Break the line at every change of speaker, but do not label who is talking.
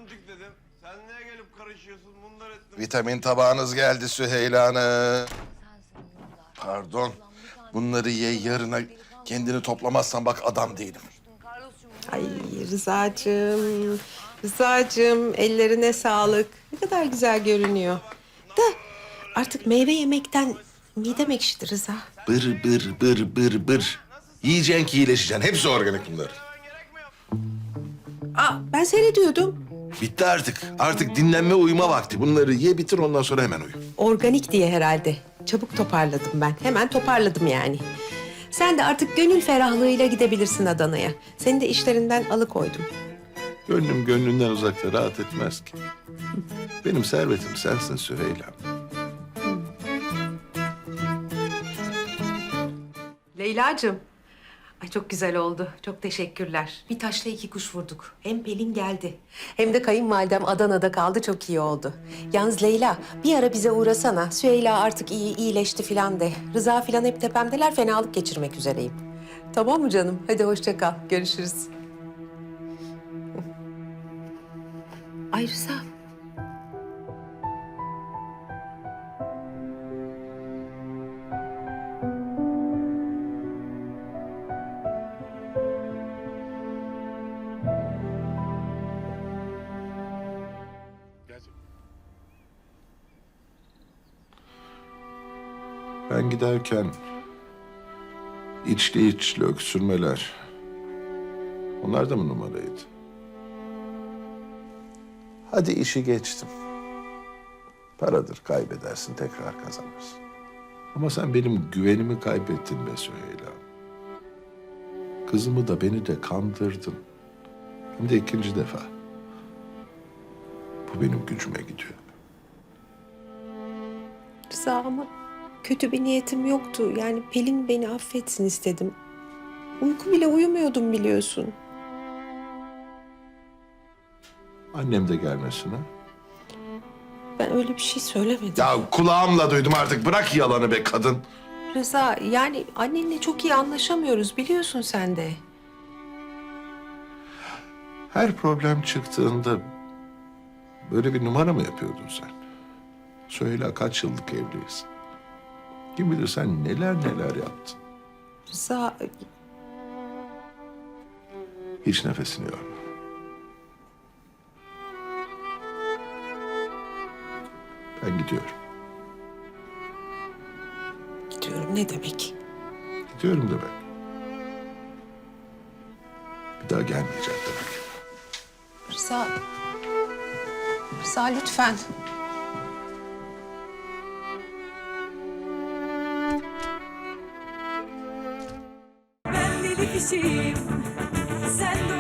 gördük dedim. Sen niye gelip karışıyorsun bunlar ettim.
Vitamin tabağınız geldi Süheyla Hanım. Pardon. Bunları ye yarına kendini toplamazsan bak adam değilim.
Ay Rıza'cığım, Rıza'cığım ellerine sağlık. Ne kadar güzel görünüyor. Da artık meyve yemekten midem ekşidi Rıza.
Bır bır bır bır bır. Yiyeceksin ki iyileşeceksin. Hepsi organik bunlar.
Ben seyrediyordum.
Bitti artık. Artık dinlenme uyuma vakti. Bunları ye bitir ondan sonra hemen uyu.
Organik diye herhalde. Çabuk toparladım ben. Hemen toparladım yani. Sen de artık gönül ferahlığıyla gidebilirsin Adana'ya. Seni de işlerinden alıkoydum.
Gönlüm gönlünden uzakta rahat etmez ki. Benim servetim sensin Süheyla.
Leyla'cığım. Ay çok güzel oldu. Çok teşekkürler. Bir taşla iki kuş vurduk. Hem Pelin geldi. Hem de kayınvalidem Adana'da kaldı. Çok iyi oldu. Yalnız Leyla bir ara bize uğrasana. Süheyla artık iyileşti falan de. Rıza falan hep tepemdeler. Fenalık geçirmek üzereyim. Tamam mı canım? Hadi hoşça kal. Görüşürüz. Ay Rıza.
Ben giderken içli içli öksürmeler. Onlar da mı numaraydı? Hadi işi geçtim. Paradır kaybedersin tekrar kazanırsın. Ama sen benim güvenimi kaybettin be Süheyla. Kızımı da beni de kandırdın. Hem de ikinci defa. Bu benim gücüme gidiyor.
Rıza ama kötü bir niyetim yoktu. Yani Pelin beni affetsin istedim. Uyku bile uyumuyordum biliyorsun.
Annem de gelmesin ha.
Ben öyle bir şey söylemedim.
Ya kulağımla duydum artık. Bırak yalanı be kadın.
Rıza yani annenle çok iyi anlaşamıyoruz biliyorsun sen de.
Her problem çıktığında böyle bir numara mı yapıyordun sen? Söyle kaç yıllık evliyiz. Kim bilir sen neler neler yaptın.
Rıza
Hiç nefesini yorma. Ben gidiyorum.
gidiyorum ne demek?
Gidiyorum demek. Bir daha gelmeyeceğim demek.
Rıza, Rıza lütfen.
Ben deli kişiyim, sen de